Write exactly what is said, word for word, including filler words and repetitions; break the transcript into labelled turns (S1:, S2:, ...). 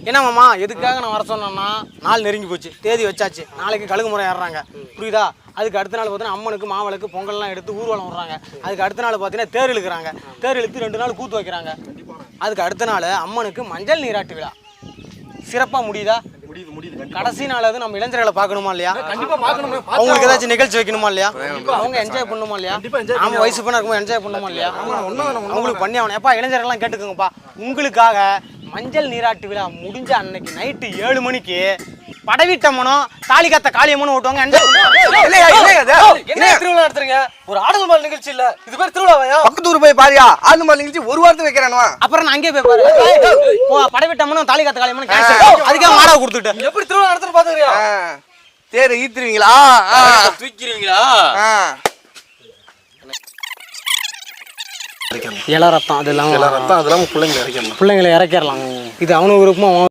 S1: என்னமாம்மா எதுக்காக நான் வர சொன்னேன்னா நாள் நெருங்கி போச்சு, தேதி வச்சாச்சு, நாளைக்கு கழுகு முறை ஏறுறாங்க புரியுதா. அதுக்கு அடுத்த நாள் பார்த்தீங்கன்னா அம்மனுக்கு மாவளுக்கு பொங்கல்லாம் எடுத்து ஊர்வலம் விடுறாங்க. அதுக்கு அடுத்த நாள் பார்த்தீங்கன்னா தேர் இழுக்கிறாங்க. தேர் இழுத்து ரெண்டு நாள் கூத்து வைக்கிறாங்க. அதுக்கு அடுத்த நாள் அம்மனுக்கு மஞ்சள் நீராட்டு விழா சிறப்பாக முடியுதா? கடைசி நாள் அது நம்ம இளைஞர்களை பார்க்கணுமா இல்லையா? அவங்களுக்கு ஏதாச்சும் நிகழ்ச்சி வைக்கணுமா இல்லையா? அவங்க என்ஜாய் பண்ணணுமா இல்லையா? நம்ம வயசு பண்ண இருக்கும்போது என்ஜாய் பண்ணணுமா இல்லையா? அவங்களுக்கு பண்ணி ஆகணும். எப்பா இளைஞர்கள்லாம் கேட்டுக்கோங்கப்பா, உங்களுக்காக மஞ்சள் நீராட்டு விழா முடிஞ்ச அன்னைக்கு நைட்டு ஏழு மணிக்கு படவீட்டம்மனும் தாலி காத்த காளியம்மனும் ஓட்டுவாங்க.
S2: என்ன திருவிழா நடத்துறீங்க? ஒரு ஆடல் மால் நிகழ்ச்சி இல்ல, இது பேர் திருவிழாவையா?
S3: பக்கத்து ஊர் போய் பாரியா, ஆடல் மால் நிகழ்ச்சி ஒரு வாரத்தை வைக்கிறானுவா.
S1: அப்புறம் நான் அங்கேயே போய் பாரு, படவீட்டம்மனும் தாலி காத்த காளியம்மனும் கேன்சல். அதுக்காக மாடா கொடுத்துட்டு
S2: எப்படி திருவிழா நடத்துறது பாத்துக்கிறியா?
S3: தேரை ஈத்துருவீங்களா,
S2: தூக்கிடுவீங்களா?
S1: இள ரத்தம் அது இல்லாம
S4: ரத்தம் அதெல்லாம் பிள்ளைங்களை இறக்கிடலாம்
S1: பிள்ளைங்களை இறக்கிடலாம். இது அவனு விருப்பமா